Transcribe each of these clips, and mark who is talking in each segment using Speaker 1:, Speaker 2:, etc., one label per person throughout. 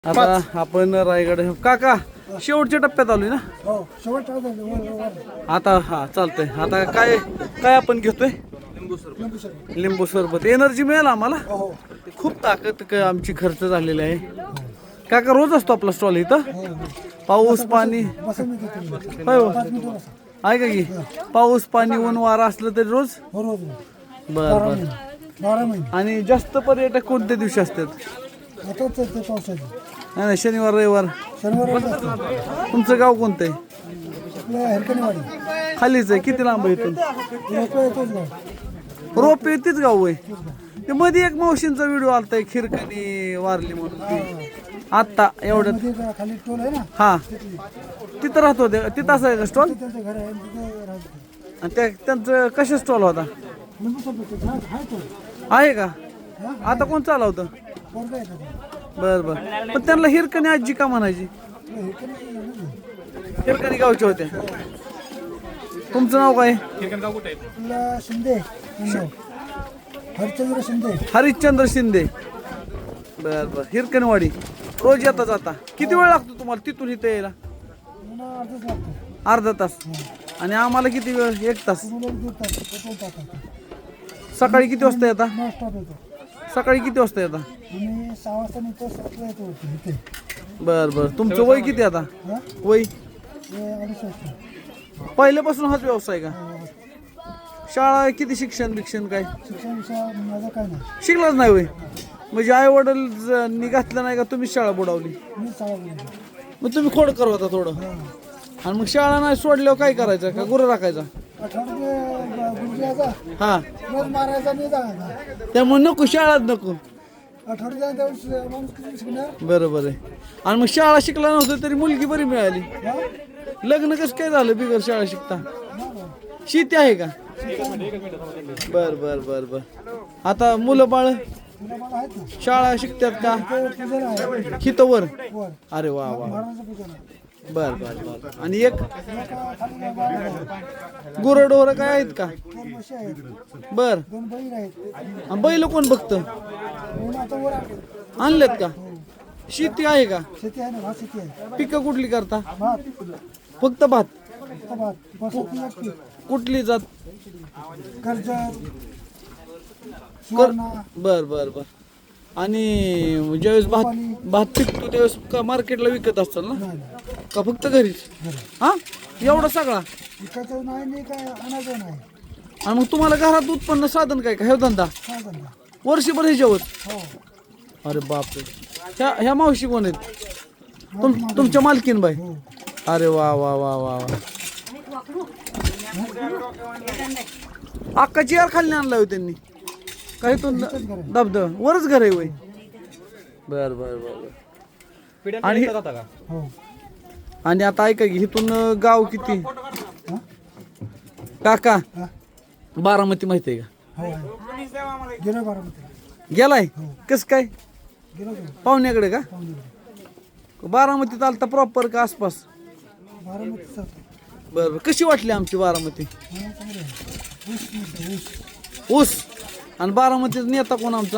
Speaker 1: आता आपण रायगड काका शेवटच्या टप्प्यात आलोय ना.
Speaker 2: हो शेवट
Speaker 1: आता हा चालतंय. आता काय काय आपण घेतोय? लिंबू सरबत. एनर्जी मिळेल आम्हाला. खूप ताकद आमची खर्च झालेली आहे. काका रोज असतो आपला स्टॉल इथं. पाऊस पाणी होय हो. आहे का की पाऊस पाणी ऊन वारा असलं तरी रोज. बर बर.
Speaker 2: 12 महिने
Speaker 1: आणि जास्त पर्यटक कोणत्या दिवशी असतात?
Speaker 2: आता ते पावसाचे
Speaker 1: नाही नाही, शनिवार रविवार.
Speaker 2: शनिवार
Speaker 1: तुमचं गाव कोणतं आहे?
Speaker 2: आपल्या हरकणीवाडी
Speaker 1: खालीच आहे. किती लांब आहे इथून?
Speaker 2: लोक येतोच ना
Speaker 1: रोपे तीच गाव आहे. ते मध्ये एक मावशींचा व्हिडिओ आलता एक खिरकणी वारली म्हणून ती. आत्ता एवढ्यात
Speaker 2: मध्ये खाली टोल आहे ना
Speaker 1: हा तिथं राहतो ते. तिथं असं आहे का स्टॉल?
Speaker 2: त्यांचं घर आहे तिथे राहतो.
Speaker 1: आणि त्यांचं कशा स्टॉल होता?
Speaker 2: लिंबू सरबत आहे तो
Speaker 1: आहे का? आता कोण चालवतं?
Speaker 2: पोरगा आहे त्याचा.
Speaker 1: बर बर. पण त्यांना हिरकणी आजी का म्हणायची? हिरकणी गावच्या होत्या. तुमचं नाव काय?
Speaker 2: आपला शिंदे हरिश्चंद्र शिंदे.
Speaker 1: हरिश्चंद्र शिंदे. बर बर. हिरकणवाडी. रोज येता जाता किती वेळ लागतो तुम्हाला तिथून इथे यायला?
Speaker 2: मला अर्धच लागतो.
Speaker 1: अर्धा तास. आणि आम्हाला किती वेळ? 1 तास.
Speaker 2: तुम्हाला 2 तास पेट्रोल टाकायचं.
Speaker 1: सकाळी किती वाजता येता?
Speaker 2: स्टॉप येतो
Speaker 1: सकाळी किती वाजता येता?
Speaker 2: आणि 6 वाजता निघतो 7 येतो इथे.
Speaker 1: बर बर. तुमचं वय किती आता?
Speaker 2: हा
Speaker 1: वय?
Speaker 2: हे 2.5 वर्ष.
Speaker 1: पहिल्यापासून हाच व्यवसाय का? शाळा किती शिक्षण बिक्षण काय?
Speaker 2: शिक्षण माझं काय नाही.
Speaker 1: शिकलाच नाही वय? म्हणजे आई वडील घातलं नाही का तुम्ही शाळा बुडवली?
Speaker 2: मी चालू
Speaker 1: मग तुम्ही खोड करवता थोडं. आणि मग शाळा नाही सोडल्यावर काय करायचं? का गुरं राखायचा?
Speaker 2: आठवड्यात गुरुजी यायचा
Speaker 1: हा
Speaker 2: रोज मारायचा मी जायचा.
Speaker 1: त्यामुळे नको शाळात नको.
Speaker 2: आठवड्यात दिवस माणूस किती शिकणार.
Speaker 1: बरोबर आहे. आणि मग शाळा शिकला नव्हतं तरी मुलगी बरी मिळाली.
Speaker 2: हा?
Speaker 1: लग्न कसं काय झालं बिगर शाळा शिकता? शेती आहे का? बर बर बर बर. आता मुलं बाळ
Speaker 2: तुला मला आहेत ना
Speaker 1: शाळा शिकतात का?
Speaker 2: ते पूजन आहे
Speaker 1: हितवर?
Speaker 2: वर
Speaker 1: अरे वा वा.
Speaker 2: महाराजांचं पूजन आहे.
Speaker 1: बर बर बर. आणि एक
Speaker 2: खाली गाडा आहे.
Speaker 1: गुरंढोरं काय आहेत का?
Speaker 2: 2 म्हशी आहेत.
Speaker 1: बर.
Speaker 2: 2 बैल आहेत.
Speaker 1: आणि बैल कोण बघतं?
Speaker 2: म्हणून आता वर आले.
Speaker 1: आणलेत का? शेती आहे का?
Speaker 2: शेती आहे ना भात शेती आहे.
Speaker 1: पिकं कुठली करता?
Speaker 2: भात
Speaker 1: फक्त भात.
Speaker 2: फक्त भात बसत नसते.
Speaker 1: कुठली जात?
Speaker 2: कर्जत सुवर्णा
Speaker 1: बर बर बर. आणि ज्यावेळेस भात पिकतो त्यावेळेस का मार्केटला विकत असतात ना?
Speaker 2: नाही
Speaker 1: का फक्त घरीच? हा एवढा सगळा?
Speaker 2: विकायचं नाही आणि काय आणायचं नाही.
Speaker 1: आणि मग तुम्हाला घरात उत्पन्न साधन काय का? हे धंदा
Speaker 2: काय धंदा.
Speaker 1: वर्षभर ह्याच्यावर?
Speaker 2: हो
Speaker 1: अरे बापरे. ह्या मावशी कोण आहेत? तुमच्या मालकीन बाई?
Speaker 2: हो
Speaker 1: अरे वा वा वा वा वा. अक्का चेअर खाली आणला हो त्यांनी काही तो धबधब वरच घर आहे वय? बर बर बर. आणि
Speaker 2: हो
Speaker 1: आणि आता ऐका की इथून गाव किती?
Speaker 2: हा?
Speaker 1: काका
Speaker 2: हा?
Speaker 1: बारामती माहिती आहे का?
Speaker 2: हो आहे. गेलो बारामतीला.
Speaker 1: गेलाय? कस काय?
Speaker 2: गेलो
Speaker 1: पाहुण्याकडे का?
Speaker 2: पाहुणे
Speaker 1: बारामतीत आलता प्रॉपर का आसपास?
Speaker 2: बारामतीचा
Speaker 1: बर बर. कशी वाटली आमची बारामती?
Speaker 2: चांगलं आहे. ऊस मिळतो, ऊस
Speaker 1: ऊस. आणि बारामतीत नेता कोण आमचा?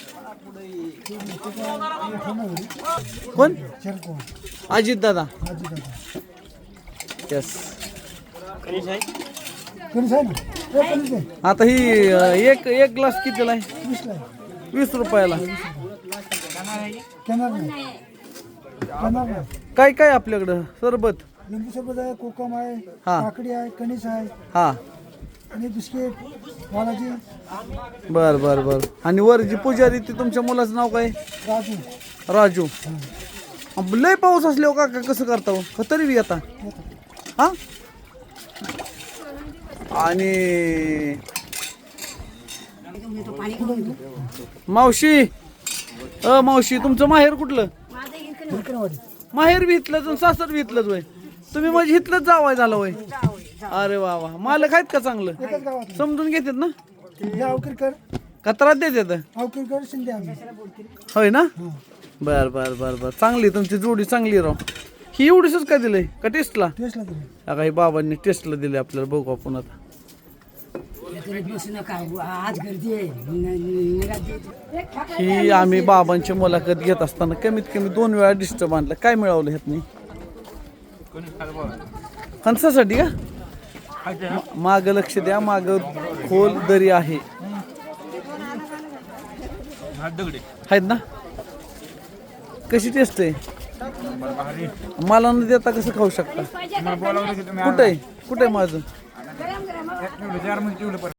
Speaker 1: कोण?
Speaker 2: चरको
Speaker 1: अजित दादा.
Speaker 2: आजी दादा
Speaker 1: यस.
Speaker 2: कणीस आहे ना. ते कणीस आहे.
Speaker 1: आता ही एक ग्लास कितीला आहे?
Speaker 2: 20 ला आहे.
Speaker 1: 20 रुपयाला.
Speaker 2: केनार नाही. केनार नाही.
Speaker 1: काय काय आपल्याकडं? सरबत?
Speaker 2: लिंबू सरबत आहे, कोकम आहे,
Speaker 1: हा.
Speaker 2: काकडी आहे, कणीस आहे
Speaker 1: हा.
Speaker 2: आणि बिस्किट बालाजी
Speaker 1: बर बर बर. आणि वर जी पुजारी ती तुमच्या मुलाचं नाव काय?
Speaker 2: राजू
Speaker 1: राजू. लय पाऊस असल्यावर काका कसं करता हो? का तरी बी येता? हा. आणि मावशी मावशी तुमचं माहेर कुठलं?
Speaker 2: हिरकणवाडी.
Speaker 1: माहेर बी इथलंच आणि सासर बी इथलंच वय? तुम्ही म्हणजे इथलंच जावाय झालं वय? अरे वा वा. मालक आहेत का चांगलं?
Speaker 2: एकच गावात
Speaker 1: समजून घेतात ना?
Speaker 2: अवकिरकर
Speaker 1: का त्रास देतात?
Speaker 2: अवकिरकर शिंदे आम्ही.
Speaker 1: होय ना?
Speaker 2: हा.
Speaker 1: बर बर बर बर. चांगली तुमची जोडी चांगली राव. ही एवढीच काय दिलंय का टेस्टला?
Speaker 2: टेस्टला दिली.
Speaker 1: काही बाबांनी टेस्टला दिले आपल्याला. बघू आपण आता.
Speaker 3: बसू नका आज गर्दी आहे
Speaker 1: ही आम्ही बाबांची मुलाखत घेत असताना कमीत कमी 2 वेळा डिस्टर्ब आणलं. काय मिळवलं ह्यातनी? फणसासाठी का? माग लक्ष द्या, माग खोल दरी आहे. आहेत ना? कशी टेस्ट आहे? मला न देता कसं खाऊ शकता? कुठे आहे माझं?